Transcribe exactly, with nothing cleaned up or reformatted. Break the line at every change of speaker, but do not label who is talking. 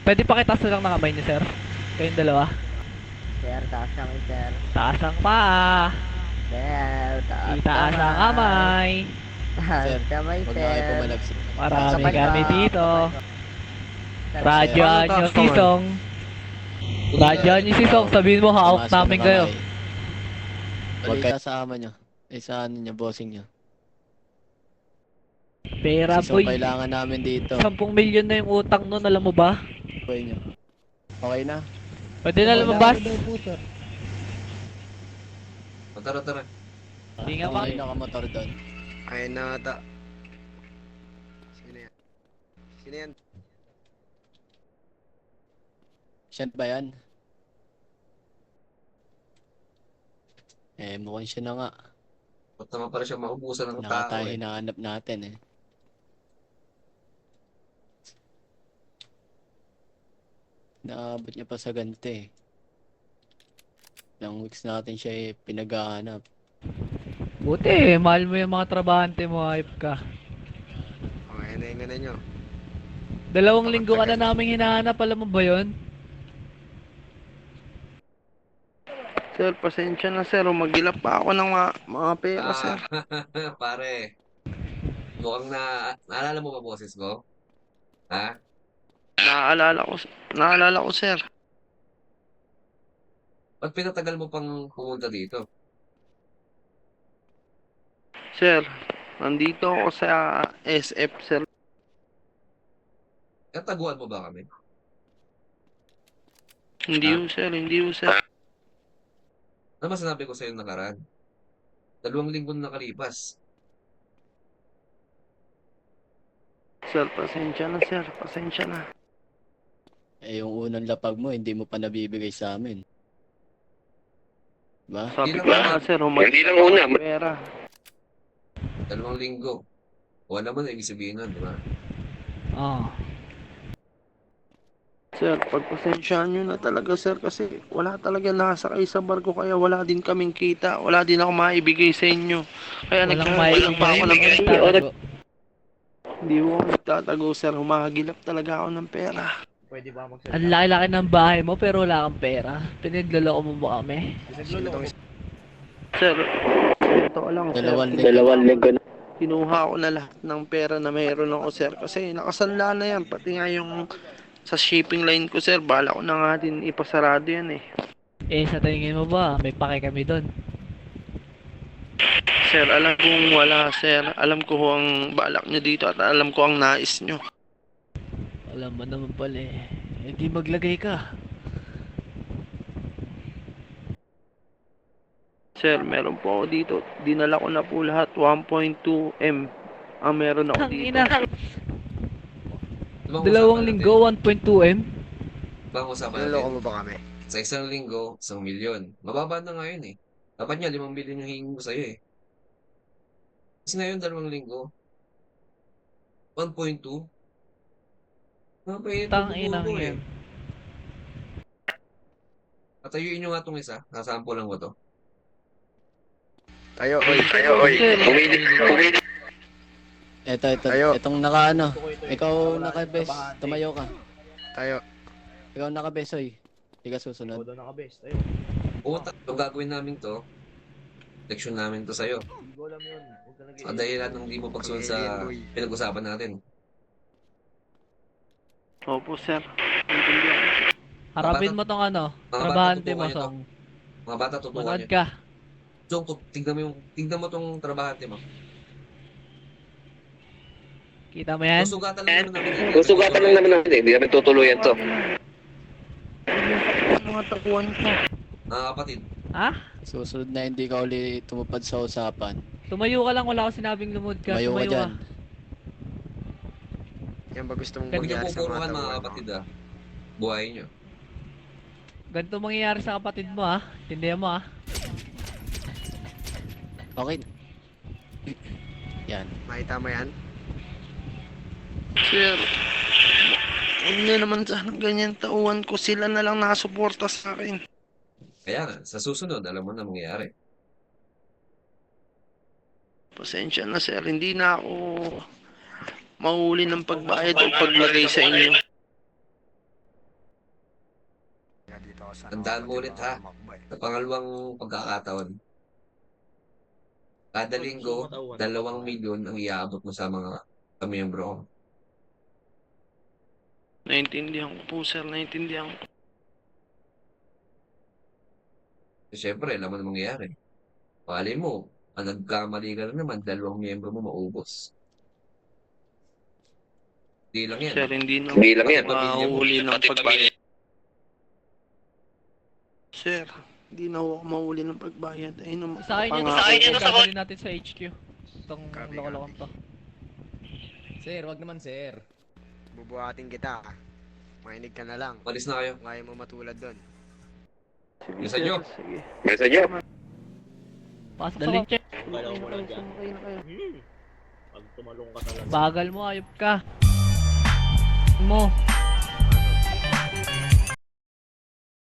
Pwede pa kita lang ng kamay niyo, sir. Kayong dalawa.
Sir, taas kami, sir.
Taas ang paa.
Sir, taas
Itaas ang kamay.
Taas
Sir,
kamay,
huwag
sir.
na kayo pumalagsi.
Marami
Kapal
kami
ka,
dito.
kapal ka. Sir,
Radyaan
Paano
nyo
taas
si
naman?
Song. Radyaan nyo si Song. Sabihin mo, hawak
Tumaas ka
namin
ng
kayo.
kamay. Huwag kayo sa ama nyo. Eh, sa ano nyo, bossing nyo.
Pera,
Si Song
boy.
kailangan namin dito.
Sampung milyon na yung utang nun, alam mo ba?
Boy nyo. Okay na?
Pwede na lumabas.
O, tara, tara.
Hindi nga ba?
Okay na kamotor doon.
Ayun na ata. Sino yan? Sino yan?
Siya ba yan? Eh, mukhang siya na nga.
Ba't naman pala siya maubusan ng
Naka
tao
tayo
eh.
hinahanap natin eh. Naabot niya pa sa ganito eh. Ilang weeks natin siya eh, pinaghahanap.
Buti eh, mahal mo yung mga trabahante mo, hype ka.
Okay, na yung nyo.
Dalawang linggo ka na namin hinahanap, alam mo ba yun?
Sir, pasensya na sir. Umagilap pa ako ng mga, mga pera, sir.
Ah, pare. Mukhang na... Naalala mo ba boses ko? Ha?
Naaalala ko, naaalala ko, sir.
Ba't pinatagal mo pang pumunta dito?
Sir, nandito ako sa S F, sir.
Kataguan mo ba kami?
Hindi
Ah?
ho, sir. Hindi ho, sir.
Ano ba sinabi ko sa'yo nakaraan? Dalawang linggo na nakalipas.
Sir, pasensya na, sir. Pasensya na.
Eh, yung unang lapag mo, hindi mo pa nabibigay sa amin. Diba?
Sabi
Hindi
ko
lang
nga,
una.
sir. Hindi lang una. Pera.
Dalawang linggo. Wala mo na ibig sabihin nun, di ba?
Oo.
Sir, pagpasensyahan nyo na talaga, sir. Kasi wala talaga nakasakay sa barko. Kaya wala din kaming kita. Wala din ako maibigay sa inyo. Kaya
Walang
nagkakawalang pa ako ng
maibigay.
Hindi ko ako nagtatago, sir. Humahagilap talaga ako ng pera.
Ang laki-laki ng bahay mo pero wala kang pera. Pinagloloko mo ba kami?
Sir, ito lang, sir.
Dalawang linggo.
Dalawang linggo na. Kinuha ko na lahat ng pera na mayroon ako, sir. Kasi nakasanla na yan. Pati nga yung sa shipping line ko, sir. Bala ko na nga din ipasarado yan eh.
Eh, sa tingin mo ba, may pake kami doon?
Sir, alam kong wala, sir. Alam ko ang balak nyo dito at alam ko ang nais nyo.
Alam mo naman pala eh. Eh, di maglagay ka.
Sir, meron po ako dito. Dinala ko na po lahat. one point two M ang meron ako
Tang
dito.
ina.
Di ba ang
Dalawang
usapan
linggo,
natin?
one point two M.
Di ba ang usapan
Niloloko
natin?
mo ba kami?
Sa isang linggo, isang milyon. Mababa na nga yun eh. Dapat nga, limang milyon yung hingin ko sa'yo eh. Kasi ngayon, dalawang linggo. one point two. Napainit
Tang
ang
inang
buko
yan.
eh. Patayuin nyo nga itong isa. Nasampo lang ko to.
Tayo, oy, tayo, oy. Pumili, pumili.
Eto, eto,
Tayo.
etong naka ano. Ikaw naka-bes. Tumayo ka.
Tayo.
Ikaw naka-bes, oy. Hindi ka susunod.
Puta, ito gagawin namin to. Leksyon namin to sa'yo. Sa dahilan ng di mo pagsunod sa pinag-usapan natin.
Opo, sir. Intindihan.
Harapin mo tong ano,
Mga bata,
trabahante mo,
tutukan nyo to.
Song.
Mga bata, tutukan
Manood
nyo.
ka.
Jong, tut- tignan mo yung, tignan mo tong trabahante mo.
Kita mo yan?
Susugatan lang naman namin. eh.
Susugatan lang naman natin, hindi namin tutuluyan to.
Mga takuan ko.
Mga kapatid,
Ha?
Susunod na hindi ka uli tumupad sa usapan.
Tumayo ka lang, wala ko sinabing lumod ka.
Tumayo ka
Tumayo
dyan.
ka.
Yan ba gusto mong
Ganito
huwag niyo
mangyari sa
pupuruhan
mga
mga
taguan mo?
kapatid ah. Buhayin nyo.
Ganito mangyayari sa kapatid mo ha. Tindihan mo ha.
Okay. Yan.
Makita mo yan?
Sir, huwag na naman sana ganyan tauhan ko. Sila na lang nakasuporta sa akin.
Kaya nga, sa susunod, alam mo na mangyayari.
Pasensya na, sir. Hindi na ako mahuli ng pagbayad o paglagay sa inyo.
Tandaan mo ulit ha, sa pangalawang pagkakataon. Kada linggo, dalawang milyon ang iaabot mo sa mga kamiyembro ko.
Naintindihan ko po, sir. Naintindihan ko.
Siyempre, alam mo na mangyayari. Pali mo, ang nagkamali ka na naman, dalawang miyembro mo maubos. Di lang yan.
Sir, hindi na
Hindi lang yan.
mahuli ng pagbayad. Sir, hindi na ako mahuli ng pagbayad. Ayun ang
Sa akin yan,
pangako
sa akin yan,
ko.
gagawin natin sa H Q. Itong
Copy,
lokolokon to.
Sir, wag naman sir. Bubuhatin kita. Mainig ka na lang.
Malis na kayo.
Kung ayaw mo matulad doon.
Sige,
Bilisan
sir,
nyo.
sige.
Bilisan nyo.
Pasok sa Daling check.
Sumakay na kayo, sumakay na kayo.
Pag tumalong ka talaga.
Bagal mo, ayop ka. Mo.